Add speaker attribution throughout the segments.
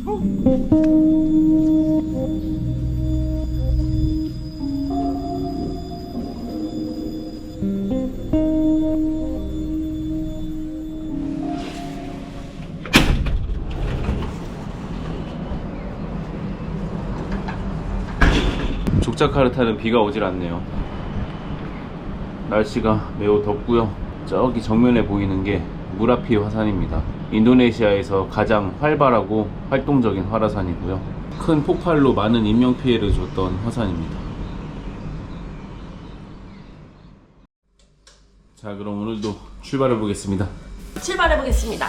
Speaker 1: 족자카르타는 비가 오질 않네요. 날씨가 매우 덥고요. 저기 정면에 보이는 게 무라피 화산입니다. 인도네시아에서 가장 활발하고 활동적인 활화산이고요. 큰 폭발로 많은 인명피해를 줬던 화산입니다. 자, 그럼 오늘도 출발해 보겠습니다.
Speaker 2: 출발해 보겠습니다.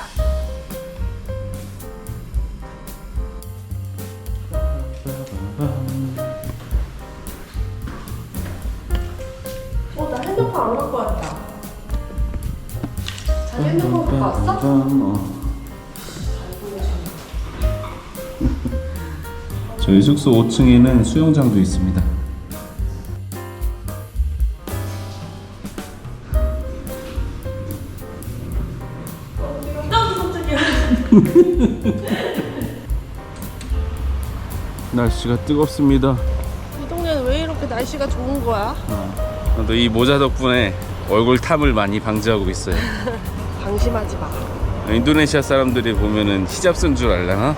Speaker 2: 나 핸드폰 안 갖고 왔다. 자기 핸드폰 갖고 왔어?
Speaker 1: 저희 숙소 5층에는 수영장도 있습니다. 날씨가 뜨겁습니다.
Speaker 2: 이 동네는 왜 이렇게 날씨가 좋은 거야?
Speaker 1: 또 이 모자 덕분에 얼굴 탐을 많이 방지하고 있어요.
Speaker 2: 방심하지 마.
Speaker 1: 인도네시아 사람들이 보면은 히잡 쓴 줄 알려나?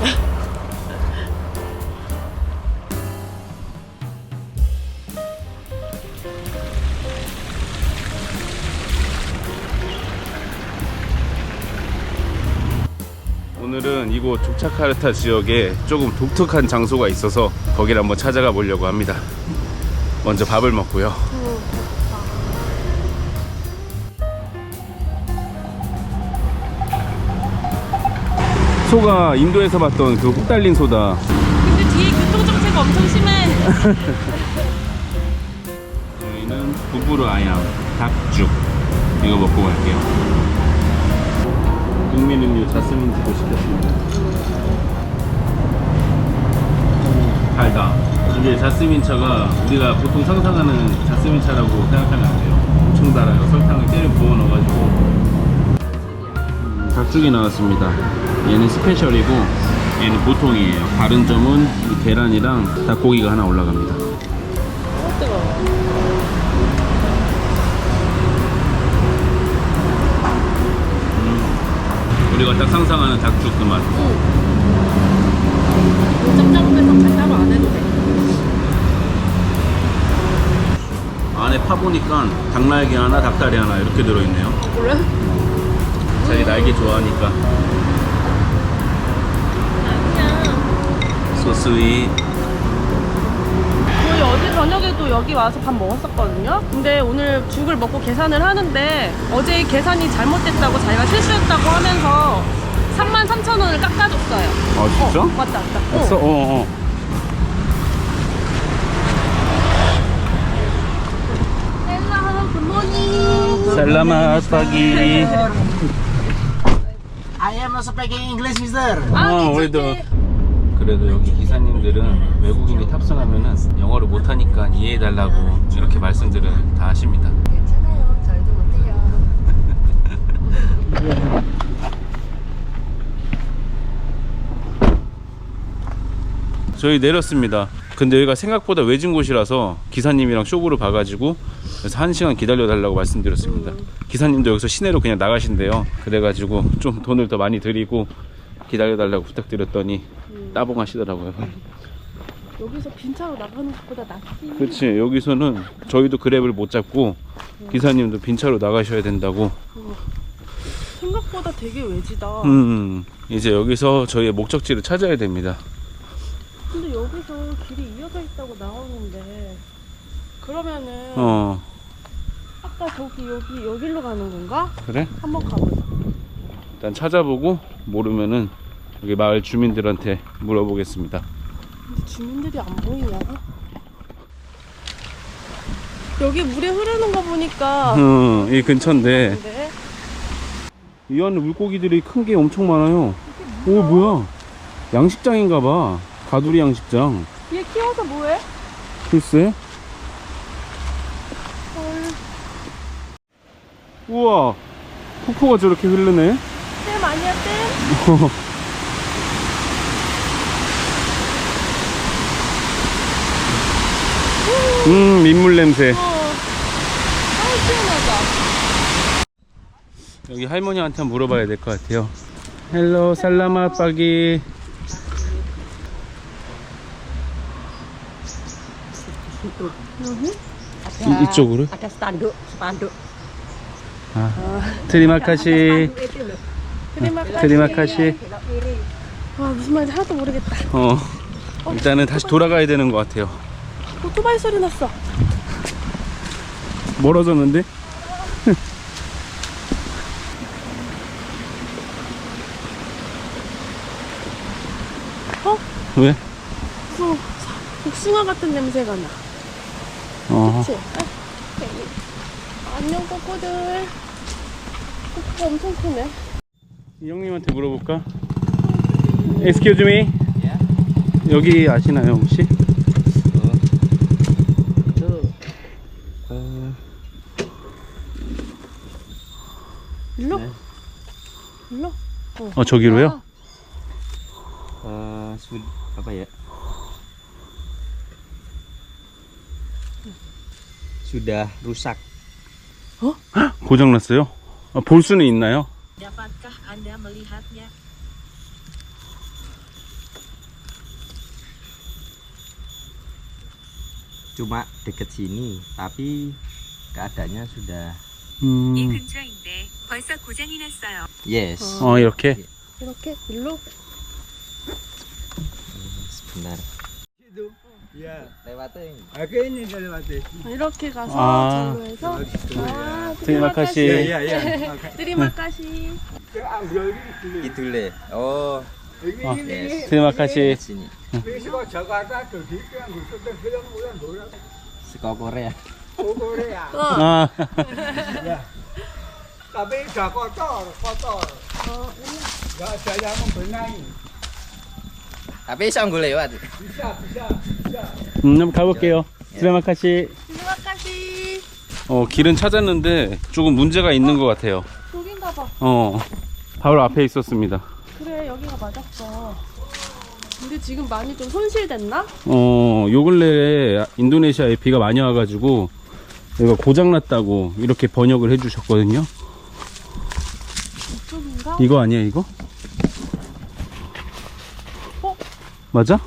Speaker 1: 오늘은 이곳 족자카르타 지역에 조금 독특한 장소가 있어서 거기를 한번 찾아가 보려고 합니다. 먼저 밥을 먹고요. 소가 인도에서 봤던 그 훅 달린 소다.
Speaker 2: 근데 뒤에 교통정체가 엄청 심해.
Speaker 1: 저희는 부부르 아얌 닭죽 이거 먹고 갈게요. 국민 음료 자스민티도 시켰습니다. 달다. 이게 자스민 차가 우리가 보통 상상하는 자스민 차라고 생각하면 안 돼요. 엄청 달아요. 설탕을 때려 부어 넣어가지고. 닭죽이 나왔습니다. 얘는 스페셜이고 얘는 보통이에요. 다른 점은 이 계란이랑 닭고기가 하나 올라갑니다.
Speaker 2: 뜨거워.
Speaker 1: 우리가 딱 상상하는 닭죽 그 맛.
Speaker 2: 짭짤해서 간장을 안 해도 돼.
Speaker 1: 안에 파보니까 닭날개 하나, 닭다리 하나 이렇게 들어있네요.
Speaker 2: 그래?
Speaker 1: 자기 날개 좋아하니까. 소스위.
Speaker 2: 저희 어제 저녁에도 여기 와서 밥 먹었었거든요. 근데 오늘 죽을 먹고 계산을 하는데 어제 계산이 잘못됐다고 자기가 실수했다고 하면서 33,000원을 깎아줬어요.
Speaker 1: 아 진짜?
Speaker 2: 맞다.
Speaker 1: 했어? 어어.
Speaker 2: 헬로 굿모닝.
Speaker 1: 살라맛 파기.
Speaker 3: I am not speaking English, mister.
Speaker 1: 우리도. 그래도 여기 기사님들은 외국인이 탑승하면은 영어를 못하니까 이해해달라고 이렇게 말씀들을 다 하십니다.
Speaker 2: 괜찮아요. 저희도 못해요.
Speaker 1: 저희 내렸습니다. 근데 여기가 생각보다 외진 곳이라서 기사님이랑 쇼부를 봐가지고 그래서 1시간 기다려달라고 말씀드렸습니다. 기사님도 여기서 시내로 그냥 나가신대요. 그래가지고 좀 돈을 더 많이 드리고 기다려달라고 부탁드렸더니 따봉 하시더라고요.
Speaker 2: 여기서 빈차로 나가는 것보다 낫지.
Speaker 1: 그렇지. 여기서는 저희도 그랩을 못 잡고 기사님도 빈차로 나가셔야 된다고.
Speaker 2: 생각보다 되게 외지다.
Speaker 1: 이제 여기서 저희의 목적지를 찾아야 됩니다.
Speaker 2: 근데 여기서 길이 이어져 있다고 나오는데 그러면은 아까 저기 여기로 가는 건가?
Speaker 1: 그래?
Speaker 2: 한번 가보자.
Speaker 1: 일단 찾아보고 모르면은 여기 마을 주민들한테 물어보겠습니다.
Speaker 2: 근데 주민들이 안 보이냐? 여기 물에 흐르는 거 보니까
Speaker 1: 이 근처인데
Speaker 2: 근데
Speaker 1: 이 안에 물고기들이 큰 게 엄청 많아요. 오 뭐야? 양식장인가봐. 가두리 양식장.
Speaker 2: 얘 키워서 뭐해?
Speaker 1: 글쎄. 우와, 폭포가 저렇게 흐르네.
Speaker 2: 댐 아니야 댐?
Speaker 1: 민물 냄새.
Speaker 2: 아우 시원하다.
Speaker 1: 여기 할머니한테 한번 물어봐야 될 것 같아요. 헬로 살라마 빠기. 이쪽으로?
Speaker 4: Ada spanduk, spanduk.
Speaker 1: 트리마카시.
Speaker 4: Itu loh.
Speaker 1: 트리마카시.
Speaker 4: Belok kiri.
Speaker 2: 와 무슨 말인지 하나도 모르겠다.
Speaker 1: 일단은 다시 돌아가야 되는 것 같아요.
Speaker 2: 오토바이 소리 났어.
Speaker 1: 멀어졌는데?
Speaker 2: 어?
Speaker 1: 왜?
Speaker 2: 무슨 복숭아 같은 냄새가 나. 그치? 안녕 꼬꼬들. 꼬꼬가 엄청 크네.
Speaker 1: 이 형님한테 물어볼까? Excuse me? 여기 아시나요 혹시?
Speaker 2: 일로? 일로?
Speaker 1: 저기로요?
Speaker 5: apa ya? Sudah rusak.
Speaker 1: 고장났어요? 볼 수는 있나요?
Speaker 4: Dapatkah Anda melihatnya?
Speaker 5: Cuma deket sini, tapi keadaannya sudah
Speaker 6: 이 근처인데 벌써 고장이 났어요.
Speaker 5: yes.
Speaker 1: 이렇게?
Speaker 2: 이렇게? 일로?
Speaker 5: Sebentar.
Speaker 3: Ya.
Speaker 5: Lewatin.
Speaker 3: Ini dari mati.
Speaker 2: 이렇게 가서
Speaker 1: 아.
Speaker 2: 절로 해서
Speaker 1: 트리마카시.
Speaker 3: Ya, ya.
Speaker 2: 트리마카시.
Speaker 3: Ambil ini.
Speaker 5: Kidule. Oh,
Speaker 3: Ini
Speaker 1: 트리마카시.
Speaker 5: sini.
Speaker 3: Besok Jakarta jadi kan syuting film ulang bola.
Speaker 5: Seko Korea.
Speaker 3: Korea.
Speaker 1: 아,
Speaker 3: Tapi udah kotor, kotor. Nggak ada yang membenahi.
Speaker 5: Tapi bisa nggak lewat.
Speaker 3: Bisa.
Speaker 1: 한번 가볼게요. 트리마카시.
Speaker 2: 트리마카시.
Speaker 1: 길은 찾았는데 조금 문제가 있는 것 같아요.
Speaker 2: 여긴가 봐.
Speaker 1: 바로 앞에 있었습니다.
Speaker 2: 그래 여기가 맞았어. 근데 지금 많이 좀 손실됐나?
Speaker 1: 요 근래에 인도네시아에 비가 많이 와가지고 여기가 고장났다고 이렇게 번역을 해주셨거든요.
Speaker 2: 이쪽인가?
Speaker 1: 이거 아니야 이거? 맞아?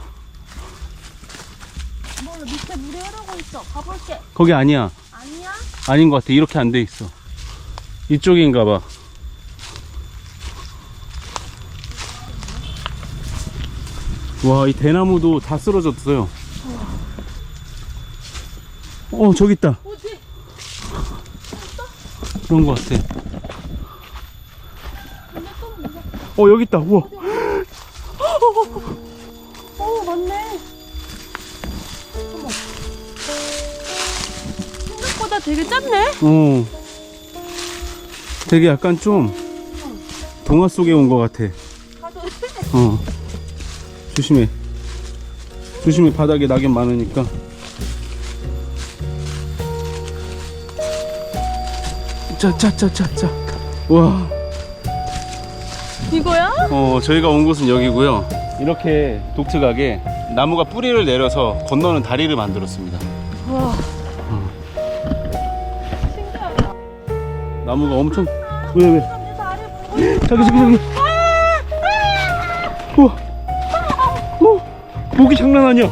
Speaker 2: 몰라 밑에 물이 흐르고 있어. 가볼게.
Speaker 1: 거기 아니야.
Speaker 2: 아니야?
Speaker 1: 아닌 것 같아. 이렇게 안 돼 있어. 이쪽인가 봐. 와, 이 대나무도 다 쓰러졌어요. 저기 있다.
Speaker 2: 어디?
Speaker 1: 그런 것 같아.
Speaker 2: 근데 또 무섭다.
Speaker 1: 여기 있다. 우와.
Speaker 2: 맞네. 어머. 생각보다 되게 작네.
Speaker 1: 되게 약간 좀 동화 속에 온 것 같아. 조심해. 조심해. 바닥에 낙엽 많으니까. 자. 와.
Speaker 2: 이거야?
Speaker 1: 저희가 온 곳은 여기고요. 이렇게 독특하게 나무가 뿌리를 내려서 건너는 다리를 만들었습니다.
Speaker 2: 와. 신기하다.
Speaker 1: 나무가 엄청. 왜?
Speaker 2: 내 다리 보고 있어.
Speaker 1: 저기. 우와. 모기 장난 아니야.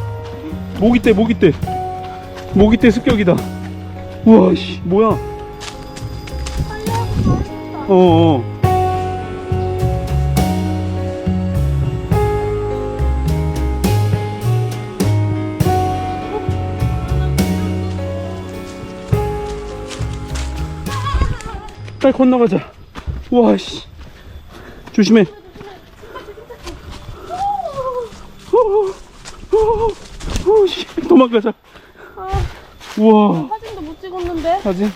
Speaker 1: 모기떼 습격이다. 우와, 씨, 뭐야? 빨리 건너가자. 우와, 씨. 조심해. 씨, 도망가자. 우와.
Speaker 2: 사진도 못 찍었는데.
Speaker 1: 사진.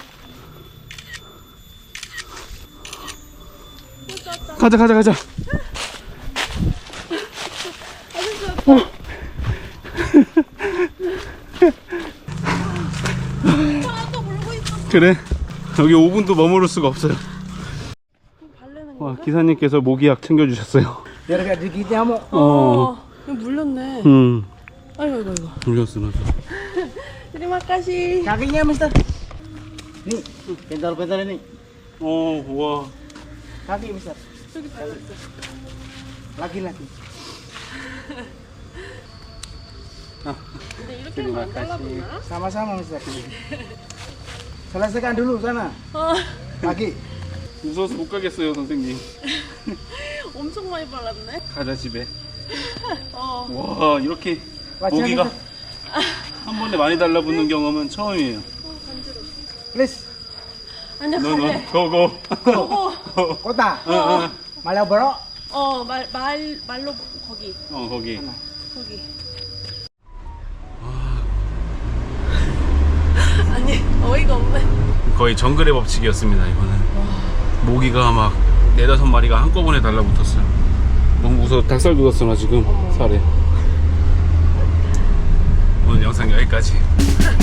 Speaker 1: 가자.
Speaker 2: 또 물고 있어.
Speaker 1: 그래. 여기 5분도 머무를 수가 없어요.
Speaker 2: 발레는
Speaker 1: 와, 기사님께서 모기약 챙겨주셨어요.
Speaker 3: Biar gak digigit nyamuk.
Speaker 2: 이거 물렸네.
Speaker 1: 음.
Speaker 2: 아이고.
Speaker 1: 물렸어, 맞아.
Speaker 2: Terima kasih.
Speaker 3: Kakinya, Mister. Nih, pental-pental ini.
Speaker 1: 와.
Speaker 3: Kaki, Mister. Laki-laki.
Speaker 2: 근데 이렇게 하면 안 잘라보나?
Speaker 3: Sama-sama, Mister. Selesaikan dulu sana. Kaki.
Speaker 1: 무서워서 못 가겠어요, 선생님.
Speaker 2: 엄청 많이 발랐네.
Speaker 1: 가자 집에.
Speaker 2: 어.
Speaker 1: 와, 이렇게
Speaker 3: Wajah,
Speaker 1: 모기가
Speaker 3: Mister.
Speaker 1: 한 번에 많이 달라붙는 경험은 처음이에요.
Speaker 3: Please.
Speaker 2: 아니야,
Speaker 1: 너너
Speaker 2: 가래.
Speaker 1: 고고.
Speaker 2: 저거.
Speaker 3: Kota.
Speaker 1: 어.
Speaker 3: Malioboro.
Speaker 2: 말로 거기.
Speaker 1: 거기.
Speaker 2: 거기. 아니, 어이가 없네.
Speaker 1: 거의 정글의 법칙이었습니다, 이거는. 모기가 막 4-5마리가 한꺼번에 달라붙었어요. 너무 무서워. 닭살 돋았어, 나 지금 살에. 오늘 영상 여기까지.